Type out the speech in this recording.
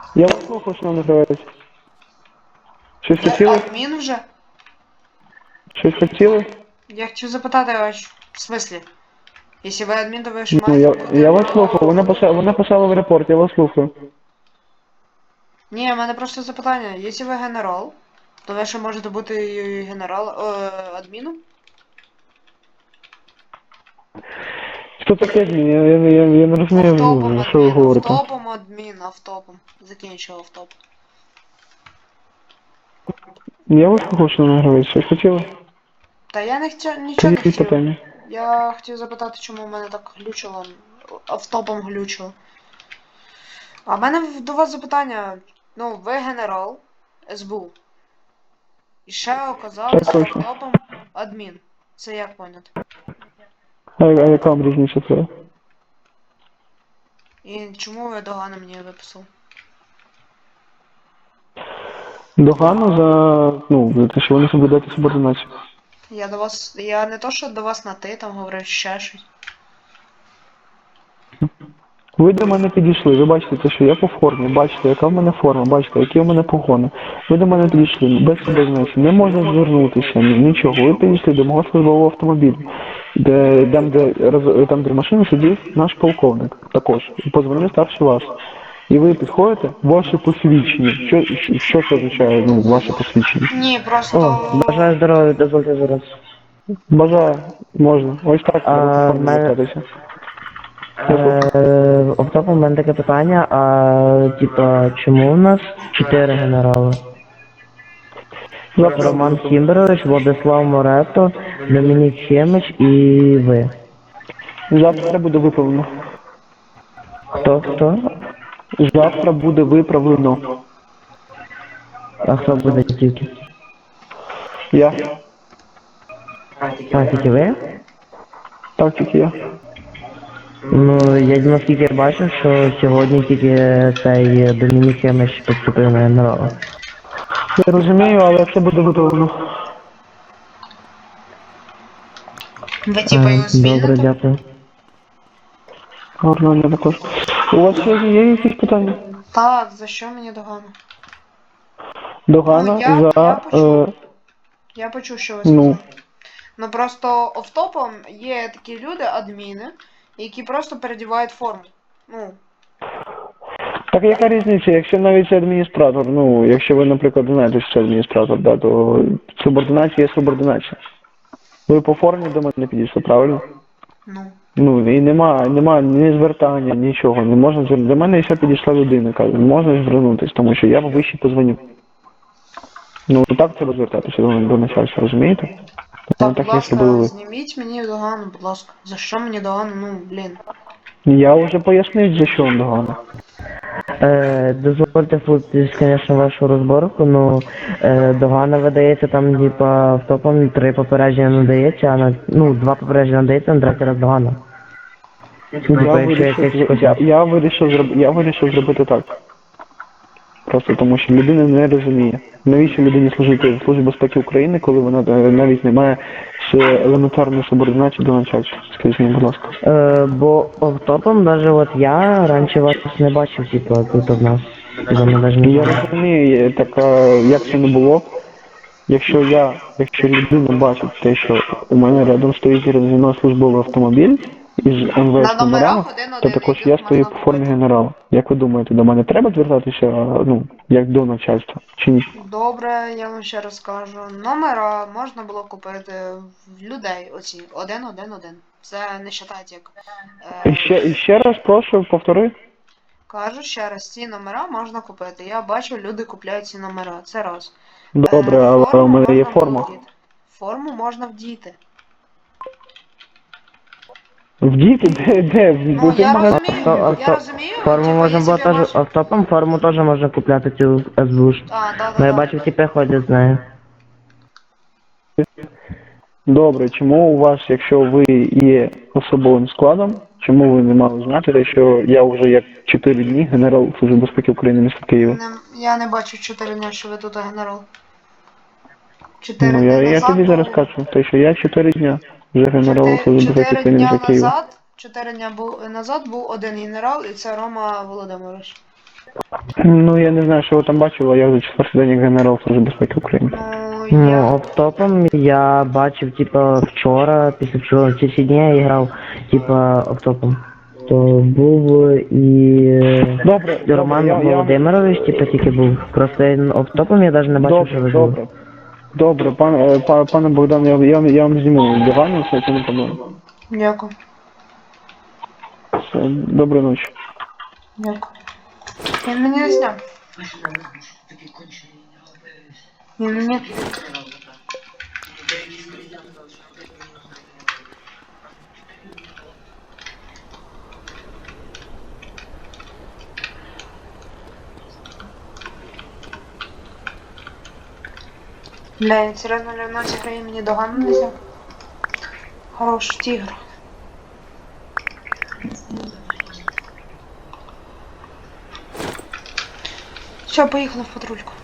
Я вас слухав, що називається. Щось Я хотіли? адмін вже? Щось хотіли? Я хотів запитати вас, в смислі? Якщо ви адмін, то ви ж Ну, маєте я бути... вас слухав, вона писала в репорт, я вас слухаю. Ні, в мене просто запитання. Якщо ви генерал, то ви ще можете бути адміном? Що таке адмін? Я не Офтопом розумію, що ви адмін, говорите. офтопом адмін, офтопом. Закінчив офтоп. Я вас слухав, що називається. Щось хотіли? Та я не хотів, нічого не Тоді хотів. питання. Я хотів запитати, чому в мене так глючило, офтопом глючило. А в мене до вас запитання. Ну, ви генерал СБУ. І ще Так оказались точно. офтопом адмін. Це як поняти? А яка вам різниця це? І чому ви догано мені виписали? Догану за те, що вони соблюдають субординацію. Я до вас. Я не то, що до вас на ти там говорив ще щось. Ви до мене підійшли, ви бачите те, що я по формі, бачите, яка в мене форма, бачите, які в мене погони. Ви до мене підійшли, без субординації, не можна звернутися, нічого. Ви підійшли до мого службового автомобіля, там, де в машині сидів наш полковник, також, і позвонив старший вас. І ви підходите, ваше посвідчення. Що це означає, ваше посвідчення? Ні, О, просто. бажаю здоров'я, дозвольте зараз. Бажаю, можна. Ось так треба по формі мене- звертатися. Оптопом в мене таке питання, типа, чому у нас 4 генерали? Роман Кімберович, Владислав Морето, Домінік Хемич і ви. Завтра буде виправлено. Хто? Завтра буде виправлено. А хто буде тільки? Я. Тільки ви? Так, тільки я. Ну, я наскільки бачив, що сьогодні тільки цей Домінік Хемич поступив на генерала. Я розумію, але це буде виправлено. Ви типа його Добре, звільните? дякую. Гарно, я також. У вас є якісь питання? Так, за що мені догано? Догана Ну, я за... почув. Я почув, що ви ну, сказали. Ну просто офтопом є такі люди, адміни, які просто передівають форму. Ну, так яка різниця, якщо навіть це адміністратор, якщо ви, наприклад, знаєте, що це адміністратор, да, то субординація є субординація. Ви по формі до мене підійшли, правильно? ну. І нема ні звертання, нічого, не можна звернути. До мене ще підійшла людина, каже, не можна звернутися, тому що я вище позвоню. Так треба звертатися до начальства, розумієте? Так, Так будь як ласка, зробили ви. зніміть мені догану, будь ласка. За що мені догану? Ну, блін. Я вже пояснив, за що вам догана. Дозвольте вплутатись, звісно, вашу розборку, догана видається там, типа, автопом 3 попередження надається, а 2 попередження надається, на 3-й раз догана. Я вирішив зробити так. Просто тому, що людина не розуміє. Навіщо людині служити в Службі безпеки України, коли вона навіть не має ще елементарної субординації до начальства? Скажіть мені, будь ласка. Бо автопом, навіть я раніше вас не бачив, типа, тут в нас. Я розумію, так як це не було. Якщо людина бачить те, що у мене рядом стоїть зі мною службовий автомобіль із МВС номерами, то також я стою по формі генерала. Як ви думаєте, до мене треба звертатися, як до начальства, чи ні? Добре, я вам ще раз кажу. Номера можна було купити в людей оці. 111. Це не вважають як... І ще раз прошу, повтори. Кажу ще раз, ці номера можна купити. Я бачу, люди купляють ці номера. Це раз. Добре, але у мене є форма. Форму можна вдіти. Вдіти? Де? Ну, я розумію, Форму типу, можна якщо було б я теж, бачив- автопом форму теж можна купляти цю СБУ. Ну, я бачив, типи ходять з нею. Добре, чому у вас, якщо ви є особовим складом, чому ви не мали знати, що я вже як 4 дні генерал Служби безпеки України міста Києва? Я не бачу 4 дня, що ви тут генерал. 4 дні Я назад тобі зараз був- кажу, те, що я 4 дня вже генерал Служби безпеки 4 України дня міста Києва. назад, 4 дня назад був один генерал, і це Рома Володимирович. Ну, я не знаю, що ви там бачили, я вже четвертий день як генерал Служби безпеки України. Ну, Ну, я... оптопом я бачив, типа, вчора, після вчора, ці всі дні я грав, типа, оптопом. То був і Добре, Роман я Володимирович, типа, тільки був. Просто оптопом я навіть не бачив, що ви жили. Добре, пане Богдан, я вам зніму догану, все це не проблема. Дякую. Все, доброї ночі. Дякую. Він мені не зняв. Він мені... Бля, він серйозно Леонард зіграє мені догану не взяв. Хорош тігр. Все, поїхали в патрульку.